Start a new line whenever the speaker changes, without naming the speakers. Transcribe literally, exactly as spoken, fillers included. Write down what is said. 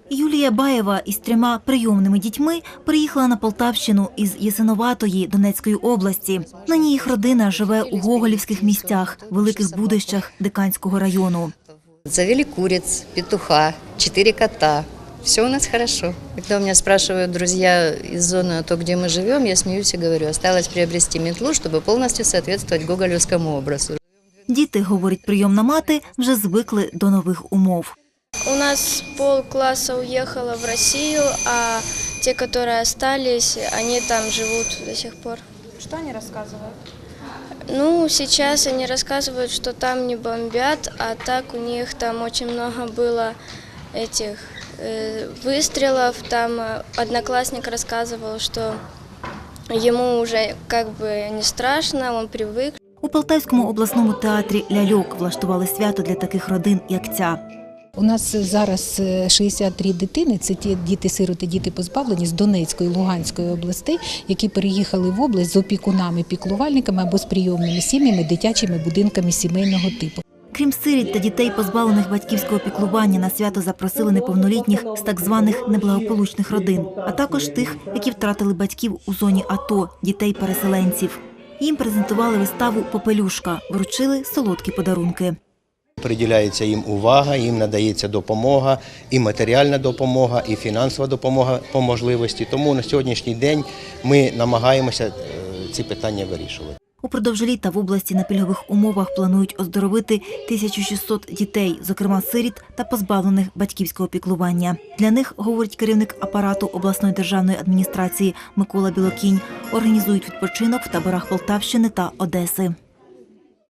Юлія Баєва із трьома прийомними дітьми приїхала на Полтавщину із Ясиноватої Донецької області. Нині їх родина живе у гоголівських місцях, великих Будищах Диканського району.
Завели куриц, петуха, четыре кота. Все у нас хорошо. Когда у меня спрашивают друзья из зоны, то, где мы живем, я смеюсь и говорю, осталось приобрести метлу, чтобы полностью соответствовать гоголевскому образу.
Діти, говорить прийомна мати, вже звикли до нових умов.
У нас полкласса уехало в Россию, а те, которые остались, они там живут до сих пор.
Что они рассказывают?
Ну, сейчас они рассказывают, что там не бомбят, а так у них там очень много было этих э, выстрелов. Там одноклассник рассказывал, что ему уже как бы не страшно, он привык.
У Полтавському обласному театрі «Ляльок» влаштували свято для таких родин, як ця.
У нас зараз шістдесят три дитини, це ті діти-сироти, діти позбавлені з Донецької, Луганської областей, які переїхали в область з опікунами, піклувальниками або з прийомними сім'ями, дитячими будинками сімейного типу.
Крім сиріт та дітей, позбавлених батьківського піклування, на свято запросили неповнолітніх з так званих неблагополучних родин, а також тих, які втратили батьків у зоні АТО, дітей-переселенців. Їм презентували виставу «Попелюшка», вручили солодкі подарунки.
Приділяється їм увага, їм надається допомога, і матеріальна допомога, і фінансова допомога по можливості. Тому на сьогоднішній день ми намагаємося ці питання вирішувати.
Упродовж літа в області на пільгових умовах планують оздоровити тисячу шістсот дітей, зокрема сиріт та позбавлених батьківського піклування. Для них, говорить керівник апарату обласної державної адміністрації Микола Білокінь, організують відпочинок в таборах Полтавщини та Одеси.